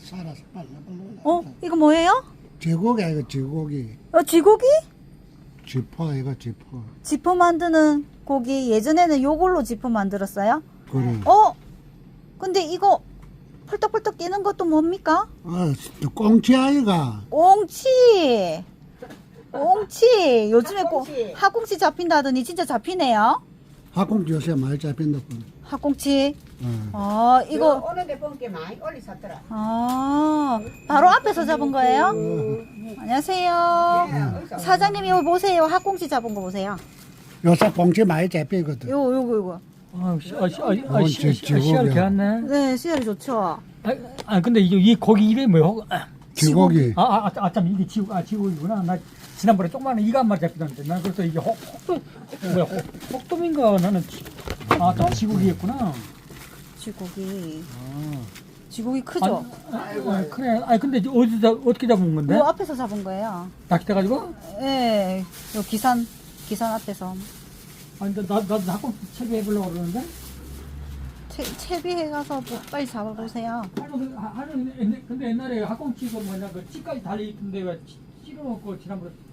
살아서 빨라. 이거 뭐예요? 쥐고기 이거 쥐고기. 쥐고기? 쥐포 이거 쥐포. 지퍼 만드는 고기. 예전에는 요걸로 지퍼 만들었어요? 그래. 근데 이거 펄떡펄떡 뛰는 것도 뭡니까? 꽁치 아이가. 꽁치. 요즘에 학꽁치. 학꽁치 잡힌다더니 진짜 잡히네요. 학꽁치 요새 많이 잡힌다. 학꽁치. 어. 이거. 오는데 본게 많이 올리 샀더라. 바로 앞에서 잡은 거예요? 안녕하세요. 사장님 이거 보세요. 학꽁치 잡은 거 보세요. 요새 꽁치 많이 잡히거든. 요거. 씨알 개왔네. 네, 씨알이 좋죠. 근데 이 고기 이름이 뭐야? 쥐고기. 참 이게 지고기구나. 나 지난번에 조그마한 이거 한 마리 잡히던데. 난 그래서 이게 혹돔인가 나는 또 지고기였구나. 쥐고기. 쥐고기 크죠? 그래. 근데 어떻게 잡은 건데? 요 앞에서 잡은 거예요. 낚싯대 가지고? 네, 요 기산 앞에서. 근데 나도 학교 채비해보려고 그러는데? 채비해 가서 뭐 빨리 잡아보세요. 근데 옛날에 학꽁치가 뭐냐, 그 치까지 달려있던데 왜 찌르놓고 지난번에